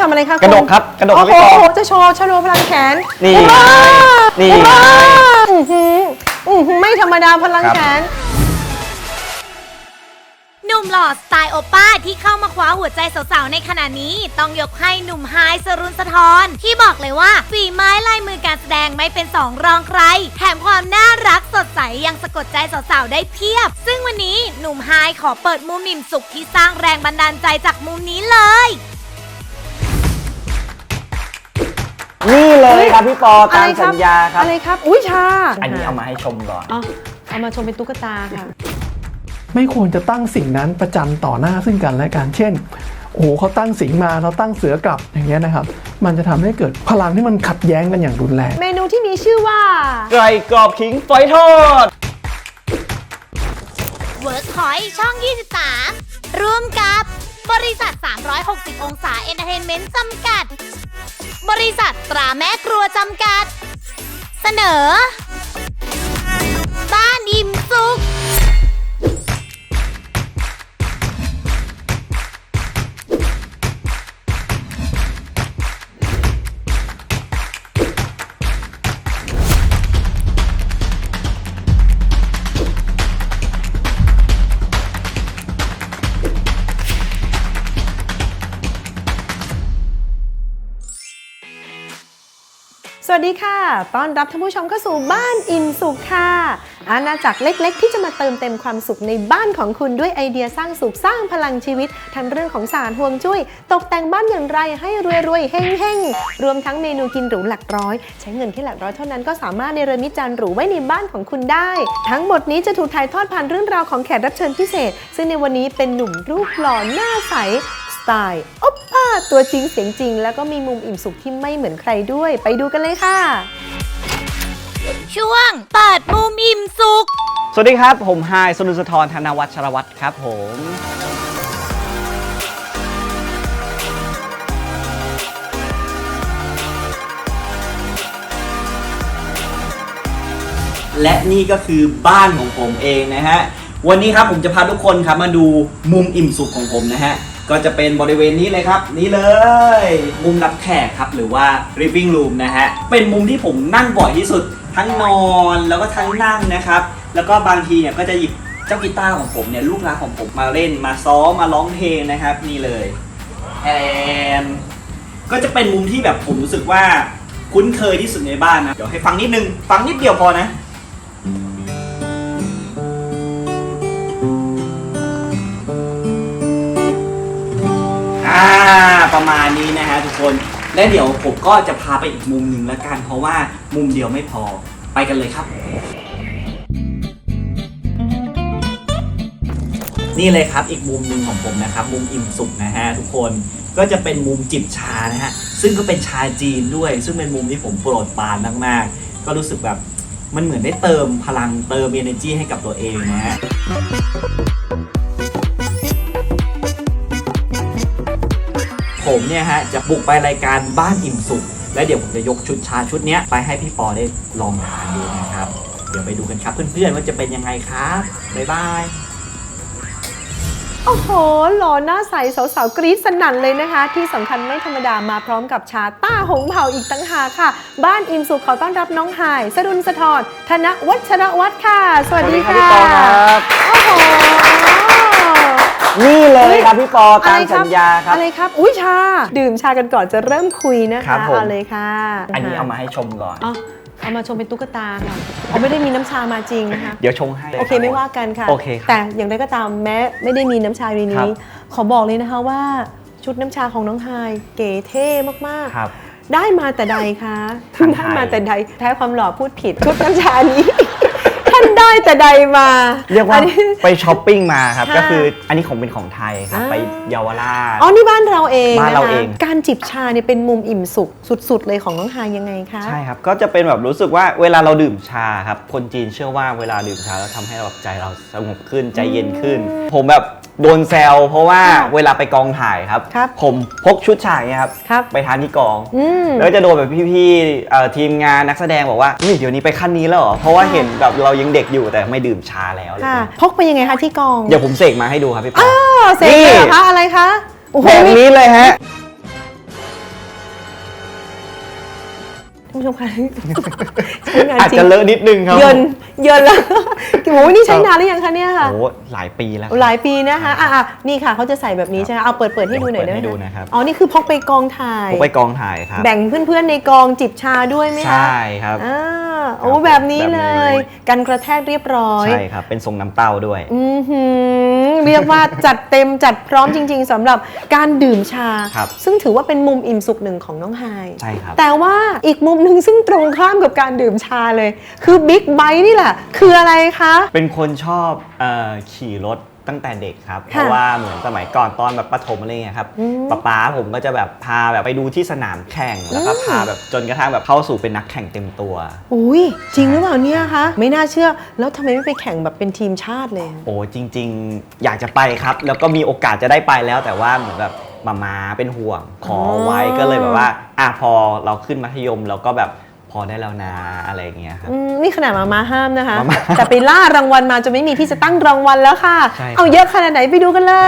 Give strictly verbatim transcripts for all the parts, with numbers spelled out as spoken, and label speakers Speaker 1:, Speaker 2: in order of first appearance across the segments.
Speaker 1: ำอะไรคะ
Speaker 2: กระดกครับกระดก
Speaker 1: โอ้
Speaker 2: พี่ปอ
Speaker 1: โหจะโชว์ชโลพลังแขน
Speaker 2: นี่นี่
Speaker 1: ไม่ธรรมดาพลังแขน
Speaker 3: หนุ่มหล่อสไตล์โอป้าที่เข้ามาคว้าหัวใจสาวๆในขณะนี้ต้องยกให้หนุ่มไฮายสรุนสะท้อนที่บอกเลยว่าฝีไม้ลายมือการแสดงไม่เป็นสองรองใครแถมความน่ารักสดใสยังสะกดใจสาวๆได้เพียบซึ่งวันนี้หนุ่มไฮายขอเปิดมุมนิ่มสุขที่สร้างแรงบันดาลใจจากมุมนี้เลย
Speaker 2: นี่เลยครับพี่ปอตามสัญญาครับ
Speaker 1: อะไรครับอุ้ยชา
Speaker 2: อันนี้เอามาให้ชมก่อน
Speaker 1: อ๋อเอามาชมเป็นตุ๊กตาค่ะ
Speaker 4: ไม่ควรจะตั้งสิ่งนั้นประจันต่อหน้าซึ่งกันและกันเช่นโอ้โหเขาตั้งสิงมาเราตั้งเสือกลับอย่างเงี้ยนะครับมันจะทำให้เกิดพลังที่มันขัดแย้งกันอย่างรุนแรง
Speaker 1: เมนูที่มีชื่อว่า
Speaker 2: ไก่กรอบขิงฝอยทอด
Speaker 3: เวิร์คพอยต์ช่องยี่สิบสามร่วมกับบริษัทสามร้อยหกสิบองศาเอนเตอร์เทนเมนต์จำกัดบริษัทตราแม่ครัวจำกัดเสนอบ้านอิ่มสุข
Speaker 1: สวัสดีค่ะต้อนรับท่านผู้ชมเข้าสู่บ้านอิ่มสุขค่ะอาณาจักรเล็กๆที่จะมาเติมเต็มความสุขในบ้านของคุณด้วยไอเดียสร้างสุขสร้างพลังชีวิตทั้งเรื่องของศาสตร์ฮวงจุ้ยตกแต่งบ้านอย่างไรให้รวยๆเฮ้งๆรวมทั้งเมนูกินหรูหลักร้อยใช้เงินแค่หลักร้อยเท่านั้นก็สามารถเนรมิตจานหรูไว้ในบ้านของคุณได้ทั้งหมดนี้จะถูกถ่ายทอดผ่านเรื่องราวของแขกรับเชิญพิเศษซึ่งในวันนี้เป็นหนุ่มรูปหล่อหน้าใสสไตล์โอปป้าตัวจริงเสียงจริงแล้วก็มีมุมอิ่มสุขที่ไม่เหมือนใครด้วยไปดูกันเลยค่ะ
Speaker 3: ช่วงเปิดมุมอิ่มสุข
Speaker 2: สวัสดีครับผมไฮายสรุนสะท้อนธนวัชรวัตรครับผมและนี่ก็คือบ้านของผมเองนะฮะวันนี้ครับผมจะพาทุกคนครับมาดูมุมอิ่มสุขของผมนะฮะก็จะเป็นบริเวณนี้เลยครับนี่เลยมุมรับแขกครับหรือว่า living room นะฮะเป็นมุมที่ผมนั่งบ่อยที่สุดทั้งนอนแล้วก็ทั้งนั่งนะครับแล้วก็บางทีเนี่ยก็จะหยิบเจ้ากีตาร์ของผมเนี่ยลูกรักของผมมาเล่นมาซ้อมมาร้องเพลงนะครับนี่เลยแอนก็จะเป็นมุมที่แบบผมรู้สึกว่าคุ้นเคยที่สุดในบ้านนะเดี๋ยวให้ฟังนิดนึงฟังนิดเดียวพอนะอ่าประมาณนี้นะฮะทุกคนและเดี๋ยวผมก็จะพาไปอีกมุมหนึ่งแล้วกันเพราะว่ามุมเดียวไม่พอไปกันเลยครับนี่เลยครับอีกมุมหนึ่งของผมนะครับมุมอิ่มสุขนะฮะทุกคนก็จะเป็นมุมจิบชานะฮะซึ่งก็เป็นชาจีนด้วยซึ่งเป็นมุมที่ผมโปรดปรานมากๆก็รู้สึกแบบมันเหมือนได้เติมพลังเติม energy ให้กับตัวเองนะฮะผมเนี่ยฮะจะบุกไปรายการบ้านอิ่มสุขและเดี๋ยวผมจะยกชุดชาชุดนี้ไปให้พี่ปอได้ลองทานดูนะครับเดี๋ยวไปดูกันครับเพื่อนๆว่าจะเป็นยังไงครับบ๊ายบาย
Speaker 1: โอ้โหหล่อหน้าใสสาวๆกรี๊ดสนั่นเลยนะคะที่สำคัญไม่ธรรมดามาพร้อมกับชาต้าหงเผ่าอีกตั้งหากค่ะบ้านอิ่มสุขขอต้อนรับน้องไฮายสรุนสะท้อนธนวัชรวัตรค่ะสวัสดีค่ะโอ้โห
Speaker 2: นี่เลยครับพี่ปอตามสัญญาครับ
Speaker 1: อะไรครับอุ้ยชาดื่มชากันก่อนจะเริ่มคุยนะคะเอาเลยค่ะ
Speaker 2: อันนี้เอามาให้ชมก่อน
Speaker 1: อ๋อเอามาชมเป็นตุ๊กตาค่ะเขาไม่ได้มีน้ำชามาจริงนะคะ
Speaker 2: เดี๋ยวชงให้
Speaker 1: โอเคไม่ว่ากันค่ะ
Speaker 2: โอเค
Speaker 1: แต่อย่างไรก็ตามแม้ไม่ได้มีน้ำชาในนี้ขอบอกเลยนะคะว่าชุดน้ำชาของน้องไฮายเก๋เท่มากๆได้มาแต่ใดคะได้มาแต่ใดแท้ความหล่อพูดผิดชุดน้ำชานี้ท่านได้แต่ใดมา
Speaker 2: เรียกว่าไปช้อปปิ้งมาครับก็คืออันนี้ของเป็นของไทยครับไปเยาวราช
Speaker 1: อ๋อนี่บ้านเราเอง
Speaker 2: บ้านเราเอง
Speaker 1: การจิบชาเนี่ยเป็นมุมอิ่มสุขสุดๆเลยของน้องไฮายยังไงคะ
Speaker 2: ใช่ครับก็จะเป็นแบบรู้สึกว่าเวลาเราดื่มชาครับคนจีนเชื่อว่าเวลาดื่มชาแล้วทำให้เราใจเราสงบขึ้นใจเย็นขึ้นผมแบบโดนแซวเพราะว่าเวลาไปกองถ่ายครับผมพกชุดฉากเนี่ยครับไปทานที่กองแล้วจะโดนแบบพี่ๆทีมงานนักแสดงบอกว่าเดี๋ยวนี้ไปขั้นนี้แล้วเหรอเพราะว่าเห็นแบบเรายังเด็กอยู่แต่ไม่ดื่มชาแล้ว
Speaker 1: พกไปยังไงคะที่กอง
Speaker 2: เดี๋ยวผมเสกมาให้ดูครับพี่ปอ
Speaker 1: เสกเลยเหรอคะอะไรคะ
Speaker 2: แบบนี้เลยฮะ
Speaker 1: คุณผู้ชมคะใช้งาน
Speaker 2: อาจ
Speaker 1: จริง
Speaker 2: จะเลอะนิดนึงครับ
Speaker 1: เยินเยินแล้วโอ้โหนี่ใช้นานหรือยังคะเนี่ยค่ะ
Speaker 2: โอ้หลายปีแล้วครับ
Speaker 1: หลายปีนะคะอ่ะอ่ะนี่ค่ะเขาจะใส่แบบนี้ใช่ไหมเอาเปิดเปิดให้ดูหน่อยได้ไหม
Speaker 2: เปิดให้ดูนะครับ
Speaker 1: อ๋อนี่คือพกไปกองถ่าย
Speaker 2: ผมไปกองถ่ายครับ
Speaker 1: แบ่งเพื่อนๆในกองจิบชาด้วยไหม
Speaker 2: ใช
Speaker 1: คะ
Speaker 2: ่ครับ
Speaker 1: อ่าโอ้แบบนี้เลย กันกระแทกเรียบร้อย
Speaker 2: ใช่ครับเป็นทรงน้ำเต้าด้วย
Speaker 1: อือหือเรียกว่าจัดเต็มจัดพร้อมจริง ๆสำหรับการดื่มชา
Speaker 2: ครับ
Speaker 1: ซึ่งถือว่าเป็นมุมอิ่มสุขหนึ่งของน้องไฮ
Speaker 2: ใช่ครับ
Speaker 1: แต่ว่าอีกมุมหนึ่งซึ่งตรงข้ามกับการดื่มชาเลย คือบิ๊กไบค์นี่แหละ คืออะไรคะ
Speaker 2: เป็นคนชอบเอ่อขี่รถตั้งแต่เด็กครับ เพ
Speaker 1: ค่ะ
Speaker 2: ราะว่าเหมือนสมัยก่อนตอนแบบประถมอะไรเงี้ยครับ
Speaker 1: อืม
Speaker 2: ป๊าป๊าผมก็จะแบบพาแบบไปดูที่สนามแข่ง แล้วก็
Speaker 1: อืม
Speaker 2: พาแบบจนกระทั่งแบบเข้าสู่เป็นนักแข่งเต็มตัว
Speaker 1: อุ้ยจริงหรือเปล่าเนี่ยคะไม่น่าเชื่อแล้วทำไมไม่ไปแข่งแบบเป็นทีมชาติเลย
Speaker 2: โอ้จริง ๆ อยากจะไปครับ แล้วก็มีโอกาสจะได้ไปแล้ว แต่ว่าเหมือนแบบมามาเป็นห่วงขอไว้
Speaker 1: อ๋อ
Speaker 2: ก็เลยแบบว่าอ่ะพอเราขึ้นมัธยมเราก็แบบพอได้แล้วนะอะไรเงี้ยครับ
Speaker 1: อืมนี่ขนาดมามาห้ามนะคะ
Speaker 2: มาม่า
Speaker 1: แต่ไปล่ารางวัลมาจนไม่มีที่จะตั้งรางวัลแล้วค่ะ
Speaker 2: ใช่ครับ
Speaker 1: เอาเยอะขนาดไหนไปดูกันเลย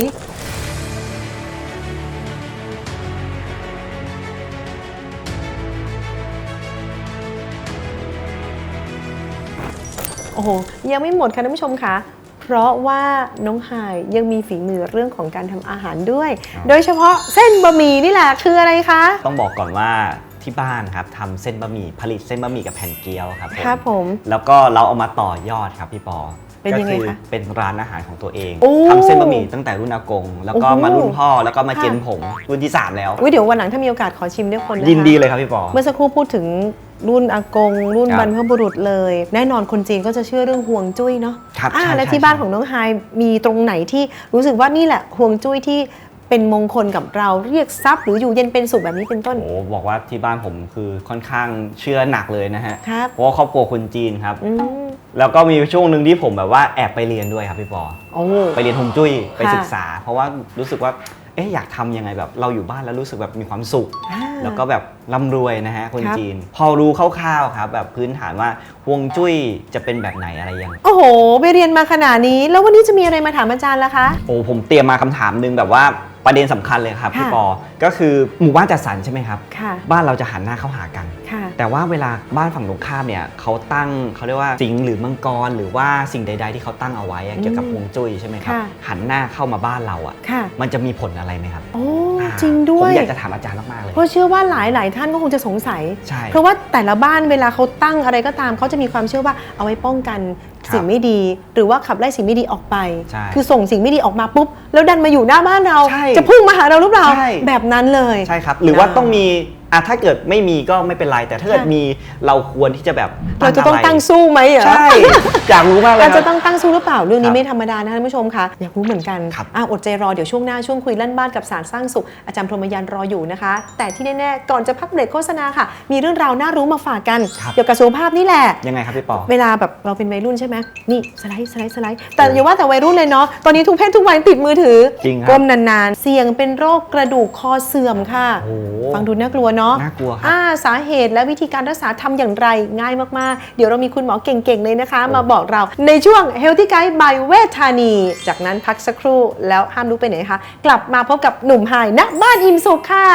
Speaker 1: โอ้โห ยังไม่หมดค่ะท่านผู้ชมคะเพราะว่าน้องไฮายยังมีฝีมือเรื่องของการทำอาหารด้วย โดยเฉพาะเส้นบะหมี่นี่แหละคืออะไรคะ
Speaker 2: ต้องบอกก่อนว่าที่บ้านครับทำเส้นบะหมี่ผลิตเส้นบะหมี่กับแผ่นเกี๊ยวครับผม
Speaker 1: ครับผม
Speaker 2: แล้วก็เราเอามาต่อยอดครับพี่ปอ
Speaker 1: เป็นยังไง
Speaker 2: ก็
Speaker 1: คะ
Speaker 2: เป็นร้านอาหารของตัวเอง
Speaker 1: โอ้
Speaker 2: ทำเส้นบะหมี่ตั้งแต่รุ่นอากง แล้วก็
Speaker 1: โอ้โห
Speaker 2: มารุ่นพ่อแล้วก็มา
Speaker 1: ค่ะ
Speaker 2: เจนผมรุ่นที่สามแล้ว
Speaker 1: อุ๊ยเดี๋ยววันหลังถ้ามีโอกาสขอชิมด้วยคนนะคะ
Speaker 2: ยินดีเลยครับพี่ปอ
Speaker 1: เมื่อสักครู่พูดถึงรุ่นอากง รุ่น
Speaker 2: ครับ
Speaker 1: บรรพบุรุษเลย แน่นอนคนจีนก็จะเชื่อเรื่องห่วงจุ้ยเนาะ
Speaker 2: ครับ
Speaker 1: อ่า
Speaker 2: ใช่
Speaker 1: และ
Speaker 2: ใช่
Speaker 1: ที่บ้าน
Speaker 2: ใช่
Speaker 1: ของน้องไฮายมีตรงไหนที่รู้สึกว่านี่แหละห่วงจุ้ยที่เป็นมงคลกับเราเรียกทรัพย์หรืออยู่เย็นเป็นสุขแบบนี้เป็นต้น
Speaker 2: โอ้บอกว่าที่บ้านผมคือค่อนข้างเชื่อหนักเลยนะฮะ
Speaker 1: ครับ
Speaker 2: เพราะว่าครอบครัวคนจีนครับ
Speaker 1: อืม
Speaker 2: แล้วก็มีช่วงหนึ่งที่ผมแบบว่าแอบไปเรียนด้วยครับพี่ปอ
Speaker 1: โอ้
Speaker 2: ไปเรียนฮวงจุ้ยไป
Speaker 1: ค่ะ
Speaker 2: ศึกษา เพราะว่ารู้สึกว่าเอ๊ะอยากทำยังไงแบบเราอยู่บ้านแล้วรู้สึกแบบมีความสุข
Speaker 1: อ่า
Speaker 2: แล้วก็แบบร่ำรวยนะฮะคน
Speaker 1: ครับ
Speaker 2: จีน พอรู้คร่าวๆครับ แบบพื้นฐานว่าฮวงจุ้ยจะเป็นแบบไหนอะไรยัง
Speaker 1: โอ้โห ไปเรียนมาขนาดนี้ แล้ววันนี้จะมีอะไรมาถามอาจารย์ล่ะคะ
Speaker 2: โอ้ผมเตรียมมาคำถามหนึงแบบว่าประเด็นสำคัญเลยครับพี่
Speaker 1: ค่ะ
Speaker 2: ปอ ก็คือหมู่บ้านจัดสรรใช่ไหมครับ
Speaker 1: ค่ะ
Speaker 2: บ้านเราจะหันหน้าเข้าหากัน
Speaker 1: ค่ะ
Speaker 2: แต่ว่าเวลาบ้านฝั่งตรงข้ามเนี่ยเขาตั้งเขาเรียกว่าสิงห์หรือมังกรหรือว่าสิ่งใด ๆ ที่เขาตั้งเอาไว้อะเกี่ยวกับฮวงจุ้ยใช่ไหมครับ
Speaker 1: ค่ะ
Speaker 2: หันหน้าเข้ามาบ้านเราอ่ะ
Speaker 1: ค่ะ
Speaker 2: มันจะมีผลอะไรไหมครับ
Speaker 1: โอ้
Speaker 2: อ่า
Speaker 1: จริงด้ว
Speaker 2: ผม
Speaker 1: ย
Speaker 2: อยากจะถามอาจารย์มากๆเลย
Speaker 1: เพราะเชื่อว่าหลายหลายๆท่านก็คงจะสงสัย
Speaker 2: ใช่
Speaker 1: เพราะว่าแต่ละบ้านเวลาเขาตั้งอะไรก็ตามเขาจะมีความเชื่อว่าเอาไว้ป้องกัน
Speaker 2: ครับ
Speaker 1: สิ่งไม่ดี หรือว่าขับไล่สิ่งไม่ดีออกไป
Speaker 2: ใช่
Speaker 1: คือส่งสิ่งไม่ดีออกมาปุ๊บแล้วดันมาอยู่หน้าบ้านเรา
Speaker 2: ใช่
Speaker 1: จะพุ่งมาหาเราหรือเปล่า
Speaker 2: ใช่
Speaker 1: แบบนั้นเลย
Speaker 2: ใช่ครับ หรือว่า
Speaker 1: อ่า
Speaker 2: ต้องมีอ่ะถ้าเกิดไม่มีก็ไม่เป็นไร แต่ถ้าเกิด
Speaker 1: ค่ะ
Speaker 2: มีเราควรที่จะแบบ
Speaker 1: เราจะต้อง
Speaker 2: ไร
Speaker 1: ตั้งสู้ไหมเหรอ
Speaker 2: ใช่ อยากรู้มากเลย
Speaker 1: เรา
Speaker 2: ค
Speaker 1: จะ
Speaker 2: รับ
Speaker 1: ต้องตั้งสู้หรือเปล่าเรื่องนี้
Speaker 2: ครับ
Speaker 1: ไม่ธรรมดานะท่านผู้ชมคะอยากรู้เหมือนกัน
Speaker 2: ครับ
Speaker 1: อ่ะอดใจรอเดี๋ยวช่วงหน้าช่วงคุยลั่นบ้านกับสารสร้างสุขอาจารย์พรหมยานรออยู่นะคะ แต่ที่แน่ๆก่อนจะพักเบรกโฆษณาค่ะ มีเรื่องราวน่ารู้มาฝากกัน
Speaker 2: ครับ
Speaker 1: เกี่ยวกับสุขภาพนี่แหละ
Speaker 2: ยังไงครับพี่ปอ
Speaker 1: เวลาแบบเราเป็นวัยรุ่นใช่ไหมนี่สไลด์สไลด์สไลด์แต่อย่าว่าแต่วัยรุ่นเลยเนาะตอนนี้ทุกเพศทุกวัยติดมือถือ
Speaker 2: จริงครับ
Speaker 1: ก้มนานๆ เสี่ยงเป็นโรคกระดูกคอเสื่อมค่ะ
Speaker 2: โอ้โห
Speaker 1: ฟังดูน่ากลัวเนาะ
Speaker 2: น่ากลัวครับ
Speaker 1: อ่าสาเหตุและวิธีการรักษาทำอย่างไรง่ายมากๆ เดี๋ยวเรามีคุณหมอเก่งๆเลยนะคะ มาบอกเราในช่วง Healthy Guide by เวชธานี จากนั้นพักสักครู่แล้วห้ามลุกไปไหนคะกลับมาพบกับหนุ่มไฮณบ้านอิ่มสุขค่ะ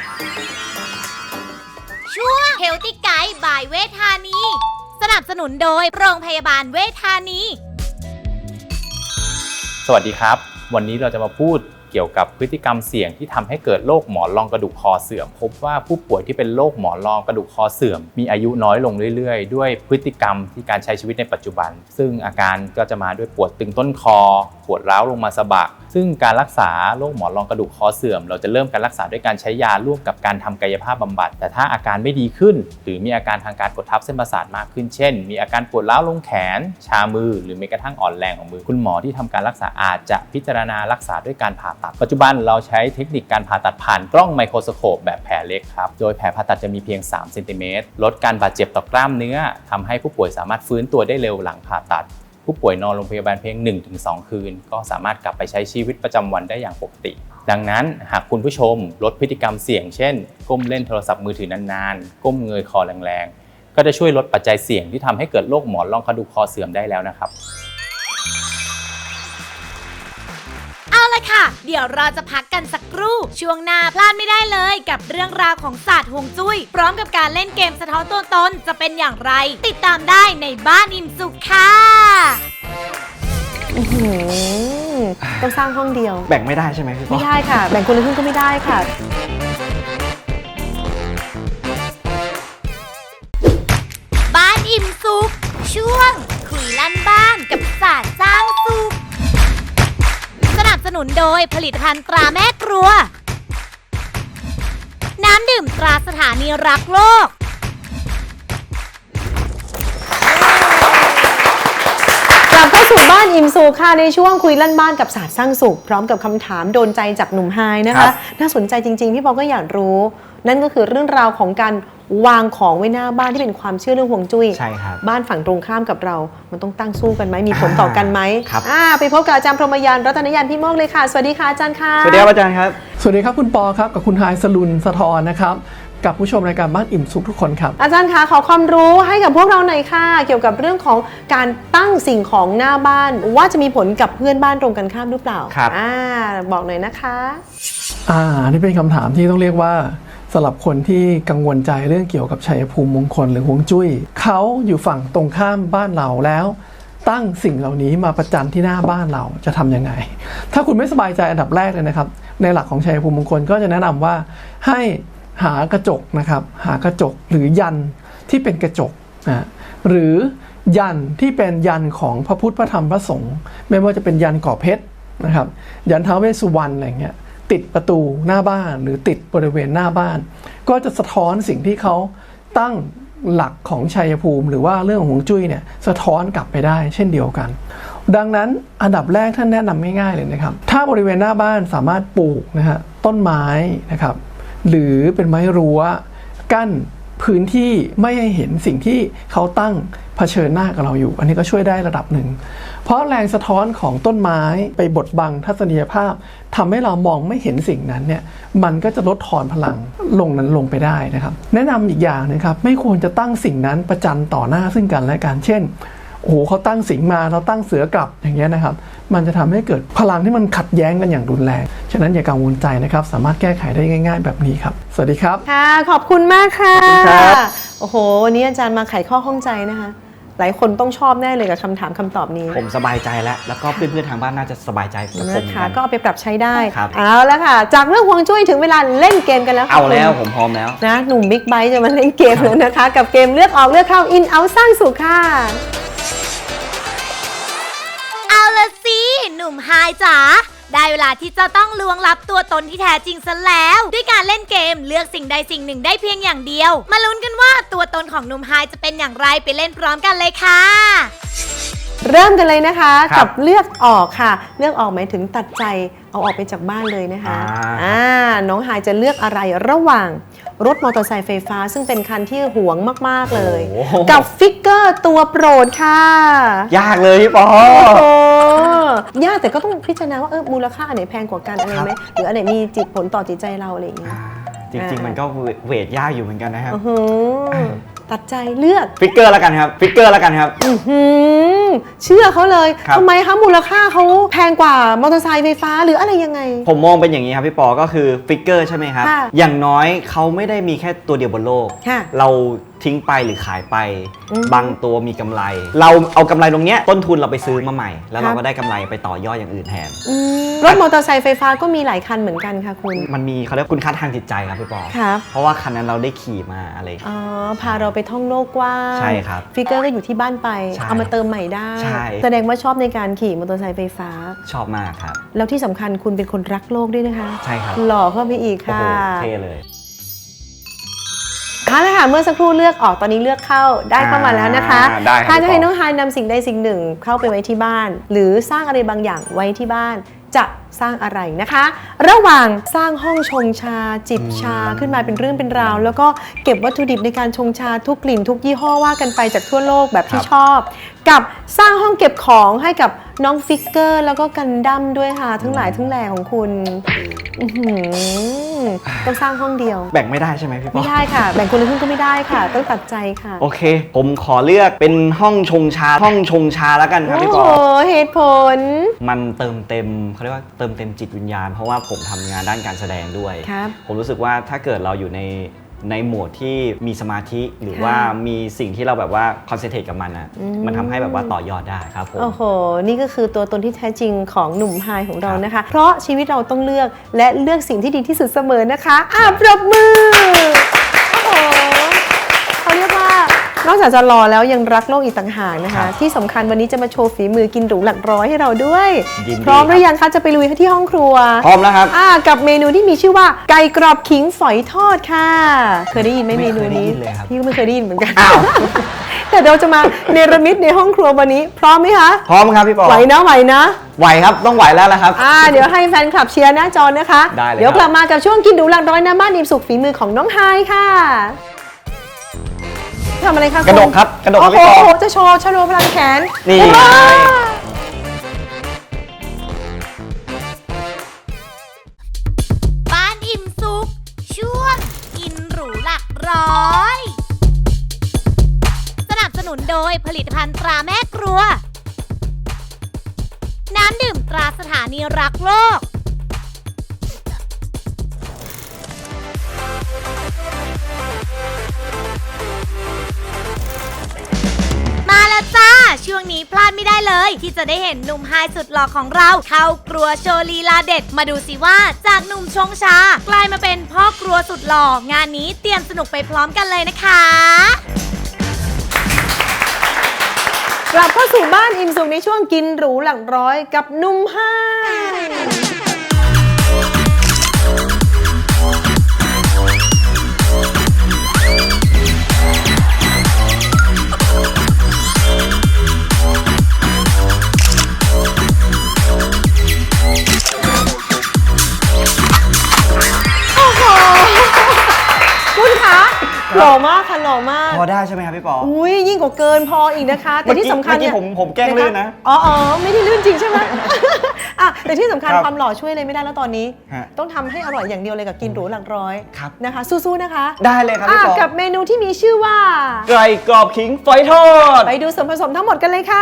Speaker 3: ช่วง Healthy Guide by เวชธานี สนับสนุนโดยโรงพยาบาลเวชธานี
Speaker 5: สวัสดีครับ วันนี้เราจะมาพูดเกี่ยวกับพฤติกรรมเสี่ยงที่ทำให้เกิดโรคหมอนรองกระดูกคอเสื่อมพบว่าผู้ป่วยที่เป็นโรคหมอนรองกระดูกคอเสื่อมมีอายุน้อยลงเรื่อยๆ ด้วยพฤติกรรมที่การใช้ชีวิตในปัจจุบัน ซึ่งอาการก็จะมาด้วยปวดตึงต้นคอปวดร้าวลงมาสะบักซึ่งการรักษาโรคหมอนรองกระดูกคอเสื่อมเราจะเริ่มการรักษาด้วยการใช้ยาร่วมกับการทำกายภาพบำบัดแต่ถ้าอาการไม่ดีขึ้น หรือมีอาการทางการกดทับเส้นประสาทมากขึ้นเช่น มีอาการปวดร้าวลงแขน ชามือหรือแม้กระทั่งอ่อนแรงของมือคุณหมอที่ทำการรักษาอาจจะพิจารณารักษาด้วยการผ่าตัดปัจจุบันเราใช้เทคนิคการผ่าตัดผ่านกล้องไมโครสโคปแบบแผลเล็กครับโดยแผลผ่าตัดจะมีเพียงสามเซนติเมตรลดการบาดเจ็บต่อกล้ามเนื้อทำให้ผู้ป่วยสามารถฟื้นตัวได้เร็วหลังผ่าตัดผู้ป่วยนอนโรงพยาบาลเพียง หนึ่งถึงสอง คืนก็สามารถกลับไปใช้ชีวิตประจำวันได้อย่างปกติ ดังนั้นหากคุณผู้ชมลดพฤติกรรมเสี่ยงเช่นก้มเล่นโทรศัพท์มือถือนานๆก้มเงยคอแรงๆก็จะช่วยลดปัจจัยเสี่ยงที่ทำให้เกิดโรคหมอนรองกระดูกคอเสื่อมได้แล้วนะครับ
Speaker 3: เอาละค่ะค่ะ เดี๋ยวเราจะพักกันสักครู่ช่วงหน้าพลาดไม่ได้เลยกับเรื่องราวของศาสตร์ฮวงจุ้ยพร้อมกับการเล่นเกมสะท้อนตัวตนจะเป็นอย่างไรติดตามได้ในบ้านอิ่มสุขค่ะ
Speaker 1: อื้อหือต้องสร้างห้องเดียว
Speaker 2: แบ่งไม่ได้ใช่ไหมพี่ปอ
Speaker 1: ไม่ได้ค่ะ แบ่งคนละครึ่งก็ไม่ได้ค่ะ
Speaker 3: บ้านอิ่มสุขช่วงคุยลั่นบ้านกับศาสตร์สร้างสุขสนับสนุนโดยผลิตภัณฑ์ตราแม่ครัวน้ำดื่มตราสถานีรักโลก
Speaker 1: กลับเข้าสู่บ้านอิ่มสุขค่ะในช่วงคุยลั่นบ้านกับศาสตร์สร้างสุขพร้อมกับคำถามโดนใจจากหนุ่มไฮนะ
Speaker 2: ครั
Speaker 1: คะ
Speaker 2: บ
Speaker 1: น่าสนใจจริงๆพี่ปอก็อยากรู้ นั่นก็คือเรื่องราวของการวางของไว้หน้าบ้านที่เป็นความเชื่อเรื่องฮวงจุ้ย
Speaker 2: ใช่ครับ
Speaker 1: บ้านฝั่งตรงข้ามกับเรา มันต้องตั้งสู้กันไหมมีผลต่อกันไหม
Speaker 2: ครับ
Speaker 1: อ่าไปพบกับอาจารย์พรหมยานรัตนยานพี่โมกเลยค่ะสวัสดีค่ะอาจารย์ค่ะ
Speaker 2: สวัสดีครับอาจารย์ครับ
Speaker 4: สวัสดีครับคุณปอครับกับคุณไฮสลุนสะทอนนะครับกับผู้ชมรายการบ้านอิ่มสุขทุกคนครับ
Speaker 1: อาจารย์คะขอความรู้ให้กับพวกเราหน่อยค่ะ เกี่ยวกับเรื่องของการตั้งสิ่งของหน้าบ้าน ว่าจะมีผลกับเพื่อนบ้านตรงกันข้ามหรือเปล่า
Speaker 2: ครับ
Speaker 1: อ่าบอกหน่อยนะคะ
Speaker 4: อ่านี่เป็นคำถามที่ต้องเรียกว่าสำหรับคนที่กังวลใจเรื่องเกี่ยวกับชัยภูมิมงคลหรือฮวงจุ้ยเขาอยู่ฝั่งตรงข้ามบ้านเราแล้ว ตั้งสิ่งเหล่านี้มาประจันที่หน้าบ้านเราจะทำยังไง ถ้าคุณไม่สบายใจอันดับแรกเลยนะครับในหลักของชัยภูมิมงคลก็จะแนะนำว่าให้หากระจกนะครับหากระจกหรือยันที่เป็นกระจกนะหรือยันที่เป็นยันของพระพุทธพระธรรมพระสงฆ์ไม่ว่าจะเป็นยันก่อเพชรนะครับยันท้าวเวสสุวรรณอะไรเงี้ยติดประตูหน้าบ้านหรือติดบริเวณหน้าบ้าน ก็จะสะท้อนสิ่งที่เขาตั้งหลักของชัยภูมิหรือว่าเรื่องของฮวงจุ้ยเนี่ยสะท้อนกลับไปได้เช่นเดียวกัน ดังนั้นอันดับแรกท่านแนะนำง่ายๆเลยนะครับถ้าบริเวณหน้าบ้านสามารถปลูกนะฮะต้นไม้นะครับหรือเป็นไม้รั้วกั้นพื้นที่ไม่ให้เห็นสิ่งที่เขาตั้งเผชิญหน้ากับเราอยู่อันนี้ก็ช่วยได้ระดับหนึ่งเพราะแรงสะท้อนของต้นไม้ไปบดบังทัศนียภาพทำให้เรามองไม่เห็นสิ่งนั้นเนี่ยมันก็จะลดทอนพลังลงนั้นลงไปได้นะครับแนะนำอีกอย่างนะครับไม่ควรจะตั้งสิ่งนั้นประจันต่อหน้าซึ่งกันและกันเช่นโอ้โหเขาตั้งสิงมาเราตั้งเสือกลับอย่างเงี้ยนะครับมันจะทำให้เกิดพลังที่มันขัดแย้งกันอย่างรุนแรงฉะนั้นอย่ากังวลใจนะครับสามารถแก้ไขได้ง่ายๆแบบนี้ครับสวัสดีครับ
Speaker 1: ค่ะขอบคุณมากค่ะ
Speaker 2: ขอบคุณครับ
Speaker 1: โอ้โหวันนี้อาจารย์มาไขข้อข้องใจนะคะ หลายคนต้องชอบแน่เลยกับคำถามคำตอบนี้
Speaker 2: ผมสบายใจแล้ว แล้วก็เพื่อนๆทางบ้านน่าจะสบายใจกับผมเหมื
Speaker 1: นะ
Speaker 2: อน
Speaker 1: คะ
Speaker 2: กัน
Speaker 1: ก็เอาไปปรับใช้ได้
Speaker 2: ครับ
Speaker 1: เอาแล้วค่ะ จากเรื่องฮวงจุ้ยถึงเวลาเล่นเกมกันแล้วค่ะ
Speaker 2: เอาแล้ว
Speaker 1: คุณ
Speaker 2: ผมพร้อมแล้ว
Speaker 1: นะหนุ่มบิ๊กไบค์จะมาเล่นเกมแล้วนะคะ กับเกมเลือกออกเลือกเข้าอินเอาสร้างสุขค่ะ
Speaker 3: เอาละสิหนุ่มไฮจ๋าได้เวลาที่จะต้องลวงลับตัวตนที่แท้จริงซะแล้ว ด้วยการเล่นเกมเลือกสิ่งใดสิ่งหนึ่งได้เพียงอย่างเดียว มาลุ้นกันว่าตัวตนของหนุ่มไฮจะเป็นอย่างไรไปเล่นพร้อมกันเลยค่ะ
Speaker 1: เริ่มกันเลยนะคะ
Speaker 2: ครับ
Speaker 1: กับเลือกออกค่ะ เลือกออกหมายถึงตัดใจเอาออกไปจากบ้านเลยนะคะ
Speaker 2: อ่า
Speaker 1: อ่าน้องไฮายจะเลือกอะไรระหว่างรถมอเตอร์ไซค์ไฟฟ้า ซึ่งเป็นคันที่หวงมากๆเลย
Speaker 2: โอ้โห
Speaker 1: กับฟิกเกอร์ตัวโปรดค่ะ
Speaker 2: ยากเลยพี่ปอ
Speaker 1: โอ้ยากแต่ก็ต้องพิจารณาว่าเออมูลค่าอันไหนแพงกว่ากันอะไรไหมหรืออันไหนมีจิตผลต่อจิตใจเราอะไรอย่างเงี้ย
Speaker 2: จริงๆ มันก็เวทยากอยู่เหมือนกันนะครับ
Speaker 1: อื้อหือตัดใจเลือก
Speaker 2: ฟิกเกอร์แล้วกันครับ ฟิกเกอร์แล้วกันครับ
Speaker 1: อื้อหือเชื่อเขาเลย
Speaker 2: ครับ
Speaker 1: ทำไมคะมูลค่าเขาแพงกว่ามอเตอร์ไซค์ไฟฟ้าหรืออะไรยังไง
Speaker 2: ผมมองเป็นอย่างนี้ครับพี่ปอ ก็คือฟิกเกอร์ใช่ไหมครับ
Speaker 1: ค่ะ
Speaker 2: อย่างน้อยเขาไม่ได้มีแค่ตัวเดียวบนโลก
Speaker 1: ค่ะ
Speaker 2: เราทิ้งไปหรือขายไป
Speaker 1: อืม
Speaker 2: บางตัวมีกำไร เราเอากำไรตรงเนี้ยต้นทุนเราไปซื้อมาใหม่ แล้ว
Speaker 1: ครั
Speaker 2: เรา
Speaker 1: บ
Speaker 2: ก็ได้กำไรไปต่อยอดอย่างอื่นแทน
Speaker 1: อืมรถมอเตอร์ไซค์ไฟฟ้าก็มีหลายคันเหมือนกันค่ะคุณ
Speaker 2: มันมีเขาเรียกคุณค่าทางจิตใจครับพี่ปอ
Speaker 1: ครับ
Speaker 2: เพราะว่าคันนั้นเราได้ขี่มาอะไร
Speaker 1: อ๋อพาเราไปท่องโลกกว้าง
Speaker 2: ใช่ครับ
Speaker 1: ฟิกเกอร์ก็อยู่ที่บ้านไป
Speaker 2: ใช่
Speaker 1: เอามาเติมใหม่ได้
Speaker 2: ใช่
Speaker 1: แสดงว่าชอบในการขี่มอเตอร์ไซค์ไฟฟ้า
Speaker 2: ชอบมากครับ
Speaker 1: แล้วที่สำคัญคุณเป็นคนรักโลกด้วยนะคะ
Speaker 2: ใช่ครับ
Speaker 1: หล่อเข้าไปอีก
Speaker 2: โอ้
Speaker 1: ค่ะ
Speaker 2: โหเท่เลย
Speaker 1: เอาละค่ะเมื่อสักครู่เลือกออกตอนนี้เลือกเข้าได้เข้ามาแล้วนะคะ
Speaker 2: อ่าได้ครับ
Speaker 1: ถ้าจะให้
Speaker 2: พี่ปอ
Speaker 1: น้องไฮายนำสิ่งใดสิ่งหนึ่งเข้าไปไว้ที่บ้าน หรือสร้างอะไรบางอย่างไว้ที่บ้าน จะสร้างอะไรนะคะ ระหว่างสร้างห้องชงชา จิบชาขึ้นมาเป็นเรื่องเป็นราว แล้วก็เก็บวัตถุดิบในการชงชาทุกกลิ่นทุกยี่ห้อว่ากันไปจากทั่วโลกแบบที่ชอบ กับสร้างห้องเก็บของให้กับน้องฟิกเกอร์ แล้วก็กันดั้มด้วยค่ะทั้งหลายทั้งแหล่ของคุณอื้อหือต้องสร้างห้องเดียว
Speaker 2: แบ่งไม่ได้ใช่ไหมพี่ปอ
Speaker 1: ไม่ได้ค่ะ แบ่งคนละครึ่งก็ไม่ได้ค่ะ ต้องตัดใจค่ะ
Speaker 2: โอเค ผมขอเลือกเป็นห้องชงชาห้องชงชาแล้วกันครับ
Speaker 1: โอ้
Speaker 2: พี่ป
Speaker 1: โห
Speaker 2: อ
Speaker 1: เหตุผล
Speaker 2: มันเติมเต็มเขาเรียกว่าเติมเต็มจิตวิญญาณเพราะว่าผมทำงานด้านการแสดงด้วย
Speaker 1: ครับ
Speaker 2: ผมรู้สึกว่าถ้าเกิดเราอยู่ในในโหมดที่มีสมาธิหรือ
Speaker 1: ค่ะ
Speaker 2: ว่ามีสิ่งที่เราแบบว่าคอนเซนเทรตกับมันอ่ะ
Speaker 1: อืม
Speaker 2: มันทำให้แบบว่าต่อยอดได้ครับผม
Speaker 1: โอ้โห นี่ก็คือตัวตนที่แท้จริงของหนุ่มไฮของเรา
Speaker 2: ครับ
Speaker 1: นะคะ เพราะชีวิตเราต้องเลือกและเลือกสิ่งที่ดีที่สุดเสมอนะคะอ่ะปรบมือ โอ้โหเขาเรียกว่านอกจากจะรอแล้วยังรักโลกอีกต่างหากนะ
Speaker 2: ครั
Speaker 1: คะ
Speaker 2: บ
Speaker 1: ที่สำคัญวันนี้จะมาโชว์ฝีมือกินหรูหลักร้อยให้เราด้วย
Speaker 2: ยินดี
Speaker 1: พร้อมหรือ
Speaker 2: ครับ
Speaker 1: ยังคะจะไปลุยที่ห้องครัว
Speaker 2: พร้อมแล้วครับ
Speaker 1: อ่ากับเมนูที่มีชื่อว่าไก่กรอบขิงฝอยทอดค่ะ เคยได้ยินไหม
Speaker 2: ไม่
Speaker 1: เมนูนี้
Speaker 2: เคยได้ยินเลยครับ
Speaker 1: พี่ก็ไม่เคยได้ยินเหมือนกัน
Speaker 2: อ้าว
Speaker 1: แต่เราจะมาเนรมิตในห้องครัววันนี้ พร้อมไหมคะ
Speaker 2: พร้อมครับพี่ปอ
Speaker 1: ไหวนะไหวนะ
Speaker 2: ไหวครับต้องไหวแล้วละครับ
Speaker 1: อ่าเดี๋ยวให้แฟนคลับเชียร์หน้าจอนะคะ
Speaker 2: ได้เลย
Speaker 1: เดี๋ยว
Speaker 2: ครับ
Speaker 1: กลับมากับช่วงกินหรูหลักร้อยน้ำบ้านอิ่มสุขฝีมือของน้องไฮค่ะทำอะไรคะ
Speaker 2: กระดก
Speaker 1: ณ
Speaker 2: ครับกระดกครับ
Speaker 1: โอ้
Speaker 2: พี่ปอ
Speaker 1: โหจะโชว์ชโลพลังแขน
Speaker 2: นี่
Speaker 1: ว้าว
Speaker 3: บ้านอิ่มสุขช่วงกินหรูหลักร้อย สนับสนุนโดยผลิตภัณฑ์ตราแม่ครัว น้ำดื่มตราสถานีรักโลก มาแล้วจ้า ช่วงนี้พลาดไม่ได้เลย ที่จะได้เห็นหนุ่มไฮสุดหล่อของเราเข้าครัวโชว์ลีลาเด็ด มาดูสิว่าจากหนุ่มชงชากลายมาเป็นพ่อครัวสุดหล่องานนี้เตรียมสนุกไปพร้อมกันเลยนะคะ
Speaker 1: กลับเข้าสู่บ้านอิ่มสุขในช่วงกินหรูหลักร้อยกับหนุ่มไฮ โอ้โห คุณคะหล่อมากค่ะหล่อมาก
Speaker 2: พอได้ใช่ไหมครับพี่ปอ
Speaker 1: อุ้ยยิ่งกว่าเกินพออีกนะคะ แต่ที่สำคัญ
Speaker 2: เมื่อกี้
Speaker 1: เนี่ย
Speaker 2: ผมผมแกล้งลื่นนะ
Speaker 1: อ๋ออ๋อไม่ได้ลื่นจริงใช่ไหม อ่ะแต่ที่สำคัญ
Speaker 2: ครับ
Speaker 1: ความหล่อช่วยเลยไม่ได้แล้วตอนนี้
Speaker 2: ฮะ
Speaker 1: ต้องทำให้อร่อยอย่างเดียวเลยกับกินหรูหลักร้อย
Speaker 2: ครับ
Speaker 1: นะคะ สู้ๆนะคะ
Speaker 2: ได้เลยครับพี่
Speaker 1: อ่ะ
Speaker 2: ปอ
Speaker 1: กับเมนูที่มีชื่อว่า
Speaker 2: ไก่กรอบขิงฝอยทอด
Speaker 1: ไปดูส่วนผสมทั้งหมดกันเลยค่ะ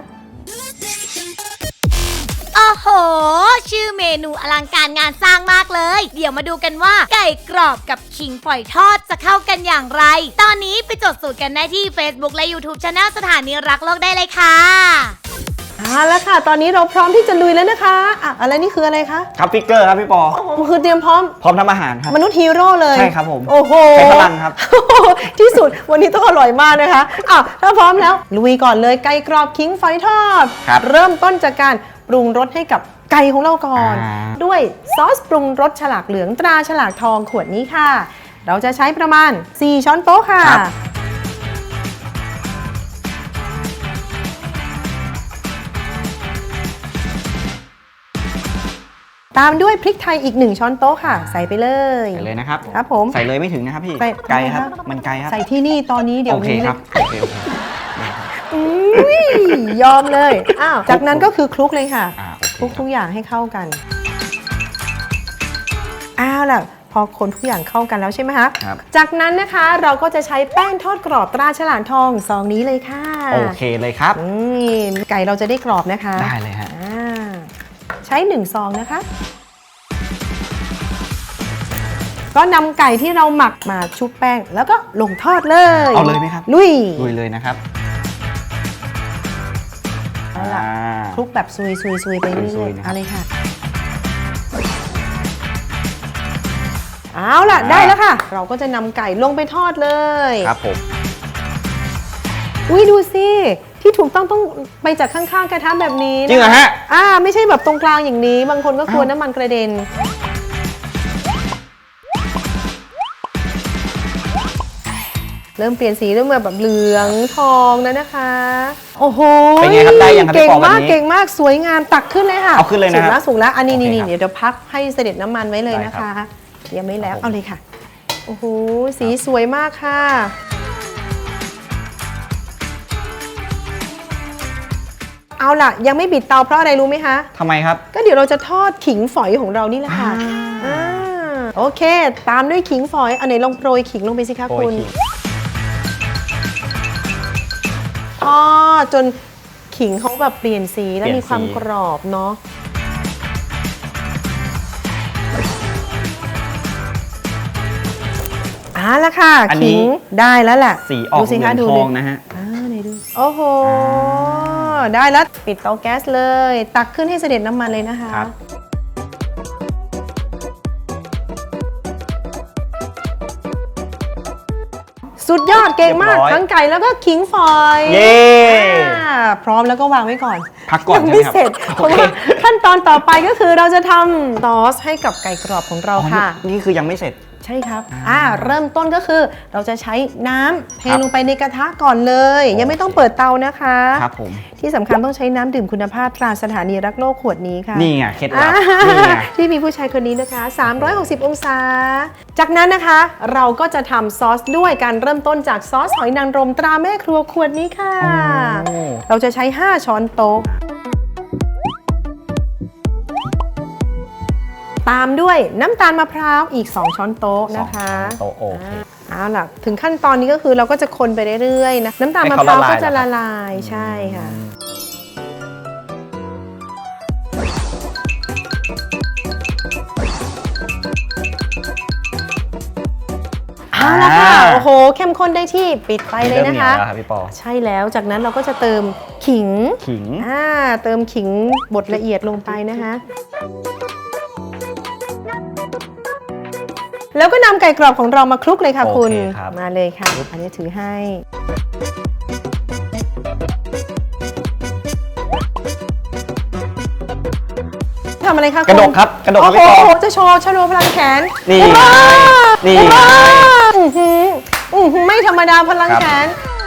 Speaker 3: โอ้โห ชื่อเมนูอลังการงานสร้างมากเลย เดี๋ยวมาดูกันว่าไก่กรอบกับขิงฝอยทอดจะเข้ากันอย่างไร ตอนนี้ไปจดสูตรกันได้ที่ Facebook และ YouTube Channel สถานีรักโลกได้เลยค่ะ
Speaker 1: เอาละค่ะ ตอนนี้เราพร้อมที่จะลุยแล้วนะคะอ่ะอะไรนี่คืออะไรคะ
Speaker 2: ครับฟิกเกอร์ครับพี่ปอ
Speaker 1: โอ้โหคือเตรียมพร้อม
Speaker 2: พร้อมทำอาหารครับ
Speaker 1: มนุษย์ฮีโร่เลย
Speaker 2: ใช่ครับผม
Speaker 1: โอ้โห
Speaker 2: ใช้พลังครับ
Speaker 1: ที่สุดวันนี้ต้องอร่อยมากนะคะอ้าวถ้าพร้อมแล้ว ลุยก่อนเลยไก่กรอบขิงฝอยทอด
Speaker 2: ครับ
Speaker 1: เริ่มต้นจากการปรุงรสให้กับไก่ของเราก่อน
Speaker 2: อ่า
Speaker 1: ด้วยซอสปรุงรสฉลากเหลืองตราฉลากทองขวดนี้ค่ะ เราจะใช้ประมาณ สี่ ช้อนโต๊ะค่ะ ตามด้วยพริกไทยอีกหนึ่งช้อนโต๊ะค่ะ ใส่ไปเลย
Speaker 2: ใส่เลยนะครับ
Speaker 1: ครับผม
Speaker 2: ใส่เลยไม่ถึงนะครับพี่
Speaker 1: ใส่
Speaker 2: ไกลครับ มันไกลครับ
Speaker 1: ใส่ที่นี่ตอนนี้เดี๋ย
Speaker 2: โอ
Speaker 1: ว
Speaker 2: เค
Speaker 1: นี้
Speaker 2: ค
Speaker 1: เล
Speaker 2: รับ
Speaker 1: ย
Speaker 2: โอเคโอเค
Speaker 1: อุ้ยยอมเลยอ้าวจากนั้นก็คือคลุกเลยค่ะ
Speaker 2: อ่าโอเค
Speaker 1: คลุกทุกอย่างให้เข้ากันอ้าวล่ะพอคนทุกอย่างเข้ากันแล้วใช่ไหมคะ
Speaker 2: ครับ
Speaker 1: จากนั้นนะคะเราก็จะใช้แป้งทอดกรอบตราฉลากทองซองนี้เลยค่ะ
Speaker 2: โอเคเลยครับ
Speaker 1: นี่ไก่เราจะได้กรอบนะคะ
Speaker 2: ได้เลยฮะ
Speaker 1: อ่าใช้หนึ่งซองนะคะ ก็นำไก่ที่เราหมักมาชุบแป้งแล้วก็ลงทอดเลย
Speaker 2: เอาเลยไหมครับ
Speaker 1: ลุย
Speaker 2: ลุยเลยนะครับ
Speaker 1: เอาล่ะ
Speaker 2: อ่า
Speaker 1: คลุกแบบซุยซุยซุยไปเรื่
Speaker 2: ซุ
Speaker 1: อย
Speaker 2: ย
Speaker 1: ๆ
Speaker 2: ๆนะครับ
Speaker 1: เอาเลยค่ะ เอาล่ะ ได้แล้วค่ะ เราก็จะนำไก่ลงไปทอดเลย
Speaker 2: ครับผม
Speaker 1: อุ้ยดูสิ ที่ถูกต้องต้องไปจากข้างๆกระทะแบบนี้นค
Speaker 2: จริงเหรอฮะ
Speaker 1: อ่าไม่ใช่แบบตรงกลางอย่างนี้ บางคนก็กลัวน้ำมันกระเด็น เริ่มเปลี่ยนสีเริ่มแบบเหลืองทองแล้วนะคะ โอ้โห
Speaker 2: เป็นไงครับได้ยังครับพี่
Speaker 1: เก่ง
Speaker 2: ปอแบบ
Speaker 1: มาก
Speaker 2: นี้
Speaker 1: เก่งมากสวยงามตักขึ้นเลยค่ะ
Speaker 2: เอาขึ้นเลยนะครับ
Speaker 1: สุกแล้วสุกแล้วอันนี้
Speaker 2: โอเค
Speaker 1: นี่
Speaker 2: ครับ
Speaker 1: เดี๋ยวเดี๋ยวพักให้เสด็จน้ำมันไว้เลย
Speaker 2: ได้
Speaker 1: นะ
Speaker 2: ครั
Speaker 1: คะ
Speaker 2: บ
Speaker 1: ยังไม่แล้ว
Speaker 2: ครับผม
Speaker 1: เอาเลยค่ะ โอ้โหสีสวยมากค่ะ เอาล่ะ ยังไม่บิดเตาเพราะอะไรรู้ไหมคะ
Speaker 2: ทำไมครับ
Speaker 1: ก็เดี๋ยวเราจะทอดขิงฝอยของเรานี่แหละค่ะ
Speaker 2: อ่า
Speaker 1: อ่าโอเค ตามด้วยขิงฝอยอันไหนลองโปรยขิงลงไปสิคะ
Speaker 2: โปร
Speaker 1: คุ
Speaker 2: ย
Speaker 1: ณ
Speaker 2: ขิง
Speaker 1: ทอดจนขิงเขาแบบเปลี่ยนสีแล้วมีความกรอบเนาะอ่าแล้วค่ะ
Speaker 2: อันนี้
Speaker 1: ขิงได้แล้วแหละ
Speaker 2: สีออก
Speaker 1: ดูสิ
Speaker 2: เหลื
Speaker 1: คะ
Speaker 2: อง
Speaker 1: ดู
Speaker 2: ท
Speaker 1: ดิ
Speaker 2: องนะฮะ
Speaker 1: อ่าไหนดูโอ้โห ได้แล้วปิดเตาแก๊สเลย ตักขึ้นให้เสด็จน้ำมันเลยนะคะ
Speaker 2: ครับ
Speaker 1: สุดยอดเก่งมาก
Speaker 2: เรียบร้อย
Speaker 1: ทั้งไก่แล้วก็ขิงฝอย
Speaker 2: เย้
Speaker 1: อ่าพร้อมแล้วก็วางไว้ก่อน
Speaker 2: พักก่อน
Speaker 1: ยัง
Speaker 2: ใช่ไหม
Speaker 1: ไม่
Speaker 2: ครับ
Speaker 1: เสร็จเพ
Speaker 2: โอ
Speaker 1: ราะ
Speaker 2: เค
Speaker 1: ว่าขั้นตอนต่อไปก็คือเราจะทำซอสให้กับไก่กรอบของเรา
Speaker 2: อ๋อ
Speaker 1: ค่ะ
Speaker 2: นี่นี่คือยังไม่เสร็จ
Speaker 1: ใช่ครับอ่าเริ่มต้นก็คือเราจะใช้น้ำเท
Speaker 2: ครับ
Speaker 1: ลงไปในกระทะก่อนเลย ยังไม่ต้องเปิดเตานะคะ
Speaker 2: ครับผม
Speaker 1: ที่สำคัญต้องใช้น้ำดื่มคุณภาพตราสถานีรักโลกขวดนี้ค่ะ
Speaker 2: นี่ไงเคล็ดลั
Speaker 1: อ่า
Speaker 2: บนี่ไง
Speaker 1: ที่มีผู้ชายคนนี้นะคะ สามร้อยหกสิบ องศา จากนั้นนะคะ เราก็จะทำซอสด้วยการเริ่มต้นจากซอสหอยนางรมตราแม่ครัวขวดนี้ค่ะ
Speaker 2: โอ้
Speaker 1: เราจะใช้ ห้า ช้อนโต๊ะ ตามด้วยน้ำตาลมะพร้าวอีก สอง ช้อนโต๊ะนะคะ
Speaker 2: สองช้อนโต๊ะโอเค
Speaker 1: เอาล่ะ ถึงขั้นตอนนี้ก็คือเราก็จะคนไปเรื่อยๆนะ น้ำตาล
Speaker 2: ให้
Speaker 1: มะ
Speaker 2: เขา
Speaker 1: พร้าว
Speaker 2: ละลาย
Speaker 1: ก็จะ
Speaker 2: เหรอครั
Speaker 1: ละ
Speaker 2: บ
Speaker 1: ลายใช่ค่ะ เอาละค่ะ โอ้โห เข้มข้นได้ที่ปิดไฟเลยนะคะ
Speaker 2: เริ่มเหนียวแล้วครับพี่ปอ
Speaker 1: ใช่แล้ว จากนั้นเราก็จะเติมขิง
Speaker 2: ขิง
Speaker 1: อ่า เติมขิงบดละเอียดลงไปนะคะ แล้วก็นำไก่กรอบของเรามาคลุกเลยค่ะ
Speaker 2: โอเค
Speaker 1: คุณ
Speaker 2: ครับ
Speaker 1: มาเลยค่ะ อันนี้ถือให้ ทำอะไรคะคุณ
Speaker 2: กระดกครับกระดกค
Speaker 1: โอ้
Speaker 2: รับ
Speaker 1: โห
Speaker 2: พี่ปอ
Speaker 1: จะโชว์ชโลพลังแขน
Speaker 2: นี่
Speaker 1: ว้าว
Speaker 2: นี่
Speaker 1: ว้าวอื้อหืออื้อหือไม่ธรรมดาพลังแขน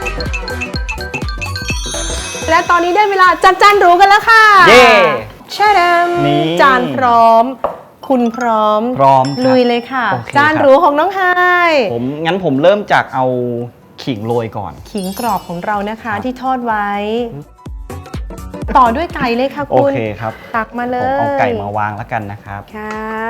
Speaker 1: และตอนนี้ได้เวลาจัดจานหรูกันแล้วค่ะ
Speaker 2: เย้
Speaker 1: แช่ด
Speaker 2: นี่
Speaker 1: ำจานพร้อม คุณพร้อม
Speaker 2: พร้อมครับ
Speaker 1: ลุยเลยค่ะ
Speaker 2: โอเค
Speaker 1: จาน
Speaker 2: ครับ
Speaker 1: หรูของน้องไฮ
Speaker 2: ผมงั้นผมเริ่มจากเอาขิงโรยก่อน
Speaker 1: ขิงกรอบของเรานะคะ
Speaker 2: ครับ
Speaker 1: ที่ทอดไว้ ต่อด้วยไก่เลยค่ะ
Speaker 2: โอ
Speaker 1: คุณ
Speaker 2: เคครับ
Speaker 1: ตักมาเล
Speaker 2: ผม
Speaker 1: ย
Speaker 2: เอาไก่มาวางแล้วกันนะครับ
Speaker 1: ครับ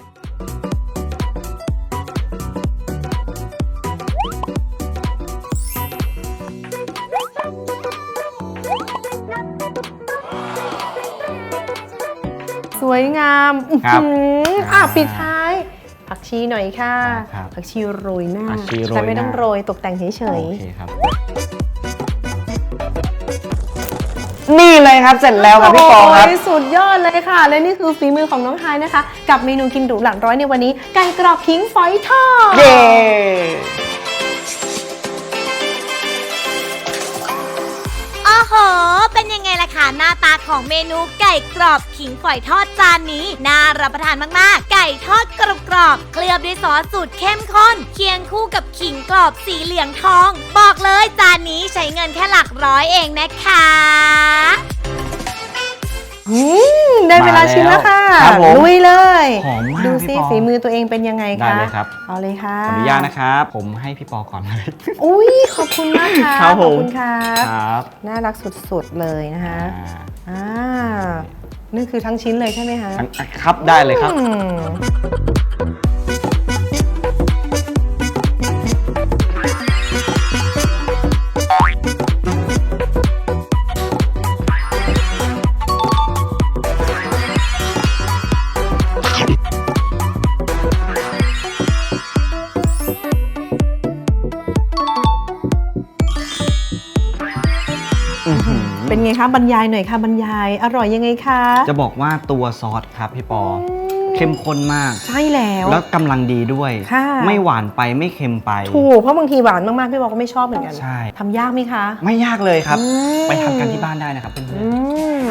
Speaker 1: สวยงาม
Speaker 2: ครับ
Speaker 1: อื้อหืออ่ะปิดท้าย ผักชีหน่อยค่ะ
Speaker 2: ครับ
Speaker 1: ผักชีโรยหน้า
Speaker 2: ผักชีโรย
Speaker 1: แต่ไม่ต้อง
Speaker 2: หน้า
Speaker 1: โรยตกแต่งเฉย
Speaker 2: โอเคครับ นี่เลยครับเสร็จแล้วครับพี่ปอครับ
Speaker 1: โยสุดยอดเลยค่ะ และนี่คือฝีมือของน้องไฮายนะคะ กับเมนูกินหรูหลักร้อยในวันนี้ ไก่กรอบขิงฝอยทอด
Speaker 2: เย้
Speaker 3: โอ้โห เป็นยังไงล่ะคะหน้าตาของเมนูไก่กรอบขิงฝอยทอดจานนี้ น่ารับประทานมากๆ ไก่ทอดกรอบๆเคลือบด้วยซอสสูตรเข้มข้น เคียงคู่กับขิงกรอบสีเหลืองทอง บอกเลยจานนี้ใช้เงินแค่หลักร้อยเองนะคะ
Speaker 1: อืมได้เวลาชิมแล้วค่ะ
Speaker 2: ครับผม
Speaker 1: ลุยเลย
Speaker 2: หอมมาก
Speaker 1: ดูซิ
Speaker 2: พี่ปอ
Speaker 1: ฝีมือตัวเองเป็นยังไงคะ
Speaker 2: ได้เลยครับ
Speaker 1: เอาเลยค่ะ
Speaker 2: ขออนุญาตนะครับ ผมให้พี่ปอก่อนเลย
Speaker 1: อุ้ยขอบคุณมากค่ะ
Speaker 2: ครับ
Speaker 1: ข
Speaker 2: ผ
Speaker 1: อบ
Speaker 2: ม
Speaker 1: คุณครับ
Speaker 2: ครับ
Speaker 1: น่ารักสุดๆเลยนะคะ
Speaker 2: อ่า
Speaker 1: อ่านี่คือทั้งชิ้นเลยใช่ไหมคะ
Speaker 2: ทั้งครับได้เลยครับ
Speaker 1: อืมเป็นไงคะบรรยายหน่อยค่ะบรรยายอร่อยยังไงคะ
Speaker 2: จะบอกว่าตัวซอสครับพี่ปอ เข้มข้นมาก
Speaker 1: ใช่แล้ว
Speaker 2: แล้วกำลังดีด้วย
Speaker 1: ค่ะ
Speaker 2: ไม่หวานไปไม่เค็มไป
Speaker 1: ถูกเพราะบางทีหวานมากๆพี่บอกก็ไม่ชอบเหมือนกัน
Speaker 2: ใช่
Speaker 1: ทำยากไหมคะ
Speaker 2: ไม่ยากเลยครับ
Speaker 1: อืม
Speaker 2: ไปทำกันที่บ้านได้นะครับเพื่อน
Speaker 1: อืม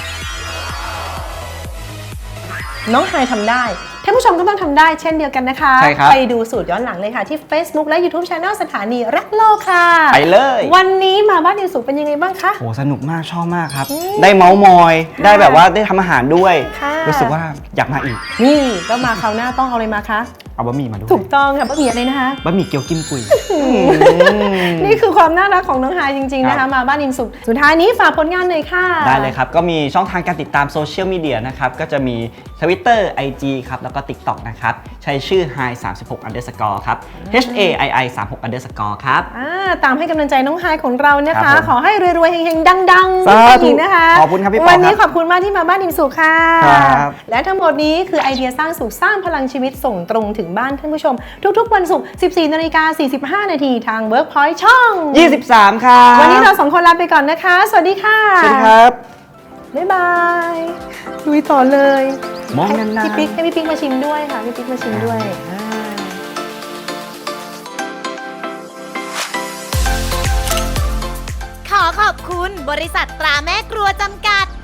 Speaker 1: น้องไฮายทำได้ท่านผู้ชมก็ต้องทำได้เช่นเดียวกันนะคะ
Speaker 2: ใช่ครับ
Speaker 1: ไปดูสูตรย้อนหลังเลยค่ะ ที่ Facebook และ YouTube Channel สถานีรักโลกค่ะ
Speaker 2: ๆไปเลย
Speaker 1: วันนี้มาบ้านอินสุเป็นยังไงบ้างคะ
Speaker 2: โอ้สนุกมากชอบมากครับ
Speaker 1: อืม
Speaker 2: ได้เมาส์มอย
Speaker 1: ค่ะ
Speaker 2: ได้แบบว่าได้ทำอาหารด้วย
Speaker 1: ค่ะ
Speaker 2: รู้สึกว่าอยากมาอีก
Speaker 1: นี่ก็มาคราวหน้าต้องเอาอะไรมาคะ
Speaker 2: เอาบะหมี่มาด้วย
Speaker 1: ถูกต้องค่ะบะหมี่อะไรนะคะ
Speaker 2: บะหมี่เกี๊ยวกิ้มกุย
Speaker 1: อืนี่คือความน่ารักของน้องไฮายจริงๆนะ
Speaker 6: ครั
Speaker 1: คะ
Speaker 6: บ
Speaker 1: มาบ้านอิ่มสุขสุดท้ายนี้ฝากผลงานหน่อยค่ะ
Speaker 6: ได้เลยครับ ก็มีช่องทางการติดตามโซเชียลมีเดียนะครับ ก็จะมี Twitter ไอ จี ครับ แล้วก็ TikTok นะครับ ใช้ชื่อ ไฮ สามสิบหก underscore ครับ H A I I สามสิบหก underscore ครับ
Speaker 1: อ่าตามให้กำลังใจน้องไฮายของเรานะ
Speaker 6: ครั
Speaker 1: คะ
Speaker 6: บผม
Speaker 1: ขอให้รวยๆเฮงๆ ดังๆ
Speaker 6: สาธุ
Speaker 1: อีกนะคะ
Speaker 6: ขอบคุณครับพี่ปอ
Speaker 1: วันนี้
Speaker 6: ครับ
Speaker 1: ขอบคุณมากที่มาบ้านอิ่มสุขค่ะ
Speaker 6: ครับ
Speaker 1: และทั้งหมดนี้คือไอเดียสร้างสุขสร้างพลังชีวิตส่งตรงถึงบ้านท่านผู้ชม ทุกๆ วันศุกร์ สิบสี่นาฬิกาสี่สิบห้านาทีทาง Workpoint ช่อง
Speaker 6: ยี่สิบสามครับ
Speaker 1: วันนี้เราสองคนลาไปก่อนนะคะ สวัสดีค่ะ
Speaker 6: สวัสดีครับ
Speaker 1: บ๊ายบายลุยต่อเลย
Speaker 6: มองนานๆ
Speaker 1: ให้พี่ปิ๊กให้พี่ปิ๊กมาชิมด้วยค่ะพี่ปิ๊กมาชิมด้วยอ่า
Speaker 3: ขอขอบคุณบริษัทตราแม่ครัวจำกัด